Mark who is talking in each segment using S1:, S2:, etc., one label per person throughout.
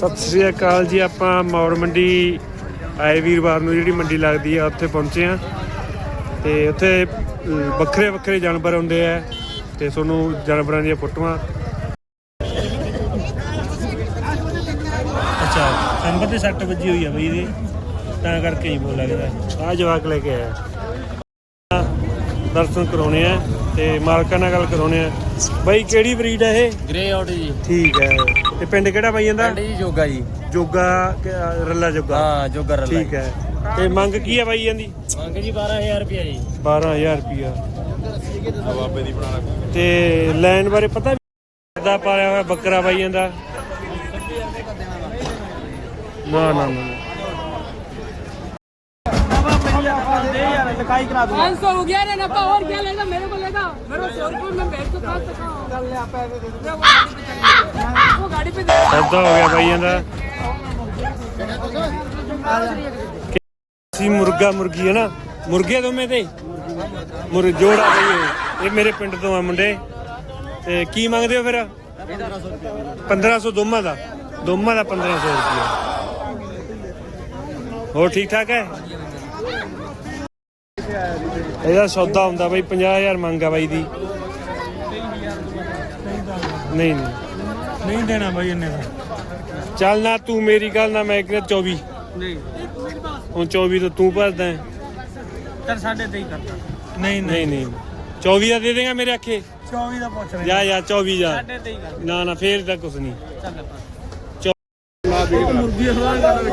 S1: ਸਤਿ ਸ਼੍ਰੀ ਅਕਾਲ ਜੀ। ਆਪਾਂ ਮੌੜ ਮੰਡੀ ਆਏ ਵੀਰਵਾਰ ਨੂੰ ਜਿਹੜੀ ਮੰਡੀ ਲੱਗਦੀ ਆ ਉੱਥੇ ਪਹੁੰਚੇ ਆ ਤੇ ਉੱਥੇ ਵੱਖਰੇ ਵੱਖਰੇ ਜਾਨਵਰ ਆਉਂਦੇ ਆ ਤੇ ਤੁਹਾਨੂੰ ਜਾਨਵਰਾਂ ਦੀਆਂ ਫੋਟੋਆਂ ਅੱਛਾ ਨੰਬਰ ਤੇ 6 ਵੱਜੀ ਹੋਈ ਆ ਬਈ ਇਹਦੇ ਤਾਂ ਕਰਕੇ ਹੀ ਬੋਲ ਲੱਗਦਾ। ਆ ਜਵਾਕ ਲੈ ਕੇ ਆਇਆ ਦਰਸ਼ਨ ਕਰਾਉਣੇ ਆ ਤੇ ਮਾਲਕਾਂ ਨਾਲ ਗੱਲ ਕਰਾਉਣੇ ਆ। ਬਾਈ ਕਿਹੜੀ ਬਰੀਡ ਹੈ ਇਹ?
S2: ਗ੍ਰੇ ਆਊਟ ਜੀ।
S1: ਠੀਕ ਹੈ। ਤੇ ਪਿੰਡ ਕਿਹੜਾ ਬਾਈ ਜਾਂਦਾ?
S2: ਪਿੰਡ ਜੀ ਜੋਗਾ ਜੀ।
S1: ਜੋਗਾ ਰੱਲਾ ਜੋਗਾ।
S2: ਹਾਂ ਜੋਗਾ ਰੱਲਾ।
S1: ਠੀਕ ਹੈ। ਤੇ ਮੰਗ ਕੀ ਹੈ ਬਾਈ ਜਾਂਦੀ?
S2: ਮੰਗ ਜੀ 12000 ਰੁਪਿਆ ਜੀ।
S1: 12000 ਰੁਪਿਆ ਬਾਬੇ ਦੀ ਬਣਾ। ਤੇ ਲੈਣ ਬਾਰੇ ਪਤਾ ਦਾ ਪਾਲਿਆ ਹੋਇਆ ਬੱਕਰਾ ਬਾਈ ਜਾਂਦਾ? ਨਾ ਨਾ ਨਾ
S3: 500 हो गया ना नफा और क्या लेगा मेरे को लेगा मेरे 100 रुपये में बैठ तो खा सकता वो गाड़ी पे
S1: ਸੌਦਾ ਹੋ ਗਿਆ ਬਾਈ ਜਾਂਦਾ। ਸੀ ਮੁਰਗਾ ਮੁਰਗੀ ਹੈ ਨਾ ਮੁਰਗੇ ਦੋਵੇਂ ਤੇ ਜੋੜਾ ਬਈ ਇਹ ਮੇਰੇ ਪਿੰਡ ਤੋਂ ਆ ਮੁੰਡੇ। ਤੇ ਕੀ ਮੰਗਦੇ ਹੋ ਫਿਰ? 1500 ਦੋਵਾਂ ਦਾ 1500 ਰੁਪਇਆ। ਹੋਰ ਠੀਕ ਠਾਕ ਹੈ? ਇਹਦਾ ਸੌਦਾ ਹੁੰਦਾ ਬਾਈ 50000 ਮੰਗਾ ਬਾਈ ਦੀ। ਨਹੀਂ ਨਹੀਂ ਦੇਣਾ ਬਾਈ ਇਹਨੇ ਦਾ। ਚੱਲ ਨਾ ਤੂੰ ਮੇਰੀ ਗੱਲ ਨਾ ਮੈਂ ਕਿਹਾ 24
S2: ਨਹੀਂ
S1: ਹੁਣ 24 ਤੋਂ ਤੂੰ ਭਰਦਾ
S2: ਚੱਲ 23.5 ਕਰਦਾ।
S1: ਨਹੀਂ ਨਹੀਂ ਨਹੀਂ 24 ਦਾ ਦੇ ਦੇਗਾ ਮੇਰੇ ਆਖੇ।
S2: 24 ਦਾ ਪੁੱਛ ਰਿਹਾ।
S1: ਜਾ ਯਾਰ 24 ਜਾ
S2: 23.5 ਕਰ।
S1: ਨਾ ਨਾ ਫੇਰ ਤਾਂ ਕੁਛ ਨਹੀਂ।
S2: ਮੁਰਗੀ ਹਵਾ ਕਰ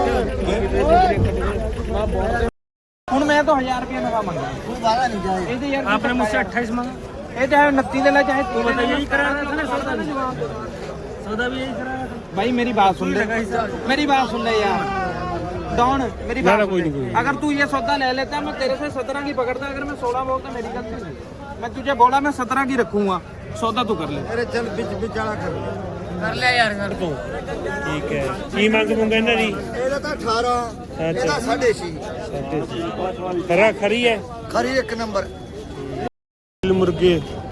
S2: ਹੁਣ ਮੈਂ ਤਾਂ 1000 ਰੁਪਏ ਨਫਾ ਮੰਗਾ। ਤੂੰ ਵਾਦਾ ਨਹੀਂ ਜਾਏ ਇਹ ਤੇ ਯਾਰ ਆਪਣੇ ਮੁझसे 28 ਮੰਗਾ। ਇਹ ਚਾहे 29 दे ला चाहे तू बता। यही कराना था ना सौदा भी यही कराना था भाई। मेरी बात सुन ले यार डॉन मेरी बात सुन ले। अगर तू ये सौदा ले लेता मैं तेरे से 17 की पकड़ता। अगर मैं 16 बोलता मेरी गलती नहीं। मैं तुझे बोला मैं 17 की रखूंगा। सौदा तू कर ले। अरे चल बिचारा कर ले यार कर तू।
S1: ਠੀਕ ਹੈ। ਕੀ ਮੰਗ ਮੰਗਾ ਇਹਨਾਂ ਦੀ?
S4: ਇਹਦਾ ਤਾਂ 18 ਇਹਦਾ 6.5
S1: ਖਰਾ ਖਰੀ ਹੈ
S4: ਖਰੀ ਇੱਕ ਨੰਬਰ
S1: ਮੁਰਗੇ।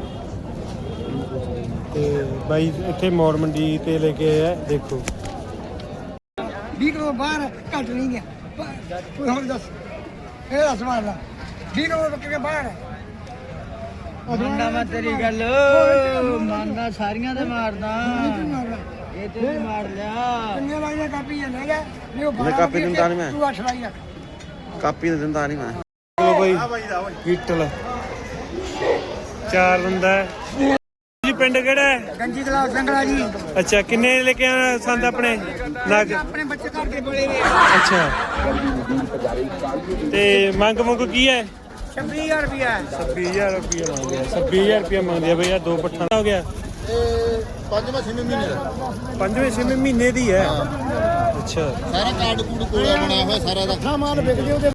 S1: ਤੇ ਬਾਈ ਇੱਥੇ ਮੌੜ ਮੰਡੀ ਤੇ ਲੈ ਕੇ ਆਇਆ ਦੇਖੋ।
S4: 20 ਕਿਲੋ ਬਾਹਰ ਘੱਟ ਨਹੀਂ ਗਿਆ ਕੋਈ ਹੋਰ ਦੱਸ। ਇਹ ਦੱਸ ਮਾਰਦਾ 20 ਕਿਲੋ ਬੱਕੇ ਕੇ ਬਾਹਰ
S2: ਮੰਨਦਾ ਮੈਂ ਤੇਰੀ ਗੱਲ ਮੰਨਦਾ ਸਾਰੀਆਂ ਤੇ ਮਾਰਦਾ ਇਹ ਤੇ ਵੀ ਮਾਰ ਲਿਆ।
S4: ਕਿੰਨੇ ਲਾਈਆਂ ਕਾਪੀ ਲੈ ਗਿਆ ਨਹੀਂ ਉਹ
S5: ਮੈਂ ਕਾਪੀ ਦਿੰਦਾ ਨਹੀਂ ਮੈਂ।
S4: ਤੂੰ 8 ਲਾਈਆਂ
S5: ਕਾਪੀ ਤਾਂ ਦਿੰਦਾ ਨਹੀਂ ਮੈਂ।
S1: ਚਲੋ ਬਾਈ ਕੀਟਲ 4 ਬੰਦਾ ਜੀ। ਪਿੰਡ ਕਿਹੜਾ ਹੈ?
S4: ਗੰਜੀ ਗਲਾਸ ਸੰਗਲਾ ਜੀ।
S1: ਅੱਛਾ ਕਿੰਨੇ ਲੈ ਕੇ ਆਣਾ ਸੰਦ ਆਪਣੇ ਨਗ?
S4: ਆਪਣੇ ਬੱਚੇ ਘਰ ਦੇ ਬੜੇ ਨੇ।
S1: ਅੱਛਾ ਤੇ ਮੰਗ ਮੁੰਗ ਕੀ ਹੈ?
S4: 26000 ਰੁਪਿਆ
S1: 26000 ਰੁਪਇਆ ਮੰਗਦੇ ਆ। 26000 ਰੁਪਇਆ ਮੰਗਦੇ ਆ ਬਈ। ਆ 2 ਪੱਠਾ ਹੋ ਗਿਆ।
S4: ਪੰਜਵੇਂ ਛੇਵੇਂ ਮਹੀਨੇ ਦਾ
S1: 5ਵੇਂ 6ਵੇਂ ਮਹੀਨੇ ਦੀ ਹੈ। ਅੱਛਾ
S4: ਸਾਰਾ ਕਾਰਡ ਕੂਡ ਕੋਲਾ ਬਣਾਇਆ ਹੋਇਆ ਸਾਰਾ ਦਾ ਮਾਲ ਵਿਕ ਜੇ ਉਹਦੇ